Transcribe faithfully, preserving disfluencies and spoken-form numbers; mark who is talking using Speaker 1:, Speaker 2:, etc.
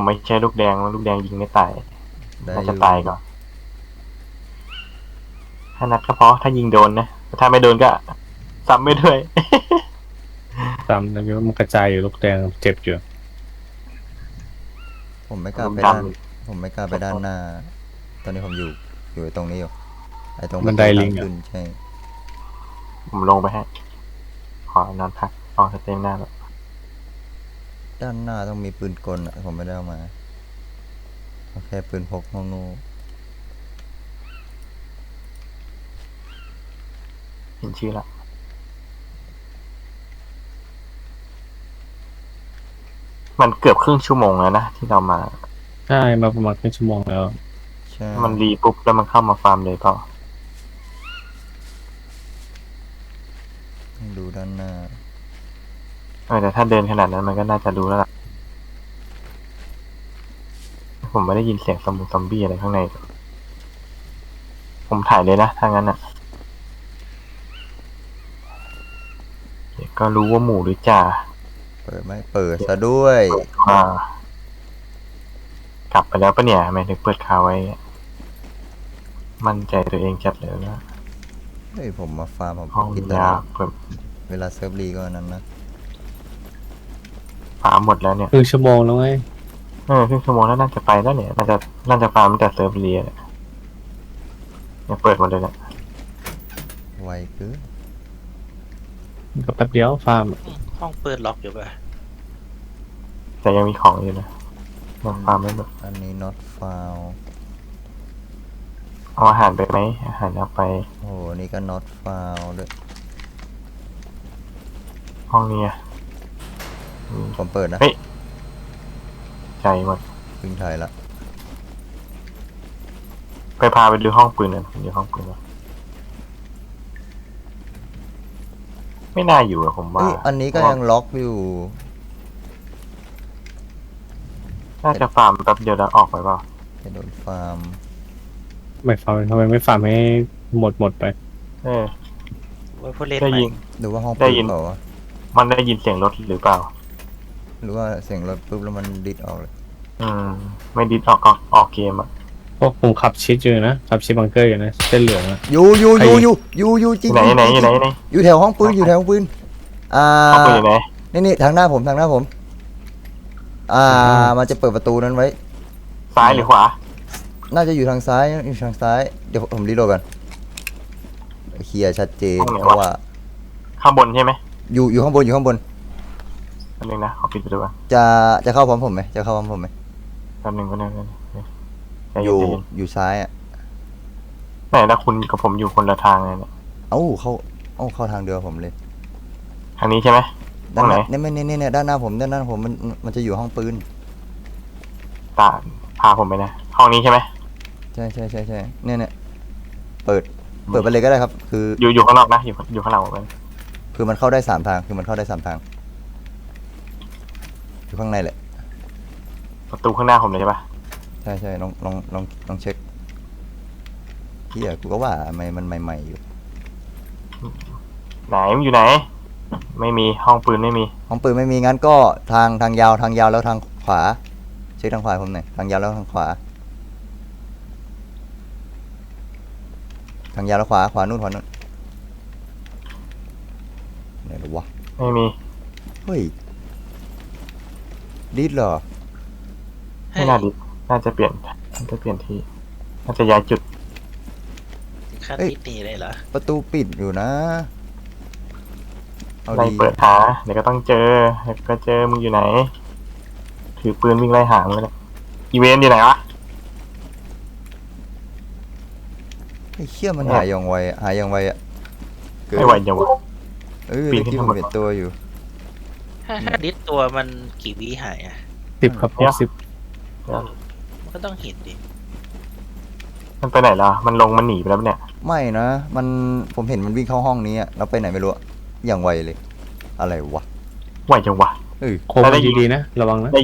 Speaker 1: ไม่ใช่ลูกแดงลูกแดงยิงไม่ตายน่าจะตายก่อนถ้านัดก็เพราะถ้ายิงโดนนะถ้าไม่โดนก็ซ้ำไม่ด้วย
Speaker 2: ตามแล้วมันกระจายอยู่ลูกแดงเจ็บอยู่
Speaker 3: ผมไม่กล้าไปด้านผมไม่กล้าไปด้านหน้า ตอนนี้ผมอยู่อยู่ตรงนี้อยู่ไอ้ตรงบันไดลิงขึ้นใช่
Speaker 1: ผมลงไปให้ขอนอนพักออกสเต็มหน้าแล้ว
Speaker 3: ด้านหน้าต้องมีปืนกลอ่ะผมไม่ได้เอามาโอเคปืนพกงูงู
Speaker 1: เห็นชื่อละมันเกือบครึ่งชั่วโมงแล้วนะที่เรามา
Speaker 2: ใช่มาประมาณครึ่งชั่วโมงแล้ว
Speaker 3: ใช่
Speaker 1: มันรีปุ๊บแล้วมันเข้ามาฟาร์มเลยเปล่า
Speaker 3: ดูด้านหน้า
Speaker 1: เออแต่ถ้าเดินขนาดนั้นมันก็น่าจะรู้แล้วล่ะผมไม่ได้ยินเสียงซอมบี้ซอมบี้อะไรข้างในผมถ่ายเลยนะถ้างั้นอ่ะเดี๋ยวก็รู้ว่าหมูหรือจ่า
Speaker 3: เปิดไหมเปิดซะด้วย
Speaker 1: อ่ากลับไปแล้วปะเนี่ยทำไมถึงเปิดคาไว้มั่นใจตัวเองจัดเลยนะ
Speaker 3: เฮ้ยผมมาฟาร์มผม
Speaker 1: ห้อง
Speaker 3: กิน
Speaker 1: ยาเปิด
Speaker 3: เวลาเซิร์ฟรีก็นั้นนะ
Speaker 1: ฟาร์มหมดแล้วเนี่ย
Speaker 2: ครึ่งชั่วโมงแล้วไง
Speaker 1: เออครึ่งชั่วโมงแล้วน่าจะไปแล้วเนี่ยน่าจะน่าจะฟาร์มแต่เซิร์ฟรีเนี่ยเปิดหมดเลยเนี่ย
Speaker 3: ไวเกิน
Speaker 2: ก็แป๊บเดียวฟาร์ม
Speaker 4: ห้องเปิดล็อกอยู่ป่ะ
Speaker 1: แต่ยังมีของอยู่นะยังฟาร์มไม่หมด
Speaker 3: อันนี้ not found
Speaker 1: เอาอาหารไปไหมอาหารเอาไป
Speaker 3: โอ้นี่ก็ not found ด้วย
Speaker 1: ห้องนี้
Speaker 3: ผมเปิดนะ
Speaker 1: ใจหมด
Speaker 3: ปืนไทยละ
Speaker 1: ไปพาไปดูห้องปืนหน่อยดูห้องปืนไม่น่าอยู่อะผมว่า
Speaker 3: อันนี้ก็ยังล็อกอยู่
Speaker 1: น่าจะฟาร์มแป๊บเดียวแล้วออกไปเปล่า
Speaker 3: จะโดนฟาร์ม
Speaker 2: ไม่ฟาร์มทำไมไม่ฟาร์มให้หมดหมดไป
Speaker 1: เออ
Speaker 4: ไว้พูดเล่น
Speaker 1: ได้ยิน
Speaker 3: หรือว่าห้องปืนเปล่าวะ
Speaker 1: มันได้ยินเสียงรถหรือเปล่า
Speaker 3: หรือว่าเสียงรถปุ๊บแล้วมันดิดออกเลย
Speaker 1: อืมไม่ดิดออกออกเกมอ่ะ
Speaker 2: พวกผมขับชิดอยู่นะขับชิดบังเกอร์อยู่นะเส้นเหลืองอะ
Speaker 3: อยู่อยู่อยู่อยู่อยู่อยู่จริง
Speaker 1: ไหนไหนไหนไหน
Speaker 3: อยู่แถวห้องปืนอยู่แถวห้องปืนอ่า
Speaker 1: ห้องปืนอยู่ไหน
Speaker 3: นี่นี่ทางหน้าผมทางหน้าผมอ่ามันจะเปิดประตูนั้นไว้
Speaker 1: ซ้ายหรือขวา
Speaker 3: น่าจะอยู่ทางซ้ายอยู่ทางซ้ายเดี๋ยวผมรีโหลดกันเคลียร์ชัดเจนเพราะว่า
Speaker 1: ข้างบนใช่ไหม
Speaker 3: อยู่อยู่ข้างบนอยู่ข้างบน
Speaker 1: แป๊บนึงนะขอปิดไปดูก่อน
Speaker 3: จะจะเข้าพร้อมผมไหมจะเข้าพร้อมผมไหม
Speaker 1: แป๊บนึงแป๊บนึง
Speaker 3: อยู่อยู่ซ้ายอ่ะ
Speaker 1: ไหนแล้วคุณกับผมอยู่คนละทางเลยเนี่ย
Speaker 3: เอ้าเข้าเอ้าเข้าทางเดียวผมเลย
Speaker 1: ทางนี้ใช่ไหม
Speaker 3: ด้านไหนเนี่ยไม่เนี่ยเนี่ยด้านหน้าผมด้านหน้าผมมันมันจะอยู่ห้องปืน
Speaker 1: ตาพาผมไปนะห้องนี้ใช่ไหม
Speaker 3: ใช่ใช่ใช่ใช่เนี่ยเนี่ยเปิดเปิดไปเลยก็ได้ครับคือ
Speaker 1: อยู่อยู่ข้างนอกนะอยู่อยู่ข้างหลังผม
Speaker 3: คือมันเข้าได้สามทางคือมันเข้าได้สามทางอยู่ข้างในแหละ
Speaker 1: ประตูข้างหน้าผมเลยใช่ปะ
Speaker 3: ใช่ใช่ลองลองลองลองเช็คเฮียกูก็ว่าทำไมมันใหม่ๆอยู่
Speaker 1: ไหนมันอยู่ไหนไม่มีห้องปืนไม่มี
Speaker 3: ห้องปืนไม่มีงั้นก็ทางทางยาวทางยาวแล้วทางขวาเช็คทางขวาผมหน่อยทางยาวแล้วทางขวาทางยาวแล้วขวาขวานู่นขวานู่นไหนหรอวะ
Speaker 1: ไม่มี
Speaker 3: เฮ้ยดิดเหรอ
Speaker 1: ไม่น่าดิดน่าจะเปลี่ยนน่าจะเปลี่ยนที่น่าจะย้ายจุด
Speaker 4: ขั้นดิดนี่เลยเหรอ
Speaker 3: ประตูปิดอยู่นะ
Speaker 1: ไล่เปิดหาเดี๋ยวก็ต้องเจอเดี๋ยวก็เจอมึงอยู่ไหนถือปืนวิ่งไล่หามึงเลยอีเวนต์อยู่ไหนวะ
Speaker 3: ไอ้เชี่ยมันหายอย่างไวหายอย่างไวอ่ะ
Speaker 1: ไม่ไหวจังวะ
Speaker 3: เออปีนที่ผมเห็นตัวอยู่
Speaker 4: ถ้าถ้าดิดตัวมันกี่วิหายอ่ะ
Speaker 2: สิบครับสิบ
Speaker 4: มันก็ต้องเห็นดิ
Speaker 1: มันไปไหนล่ะมันลงมันหนีไปแล้วเนี่ย
Speaker 3: ไม่นะมันผมเห็นมันวิ่งเข้าห้องนี้อ่ะเราไปไหนไม่รู้อย่างไวเลยอะไรวะ
Speaker 1: ไหวจังวะ
Speaker 2: เออโค้งดีๆนะระวังนะ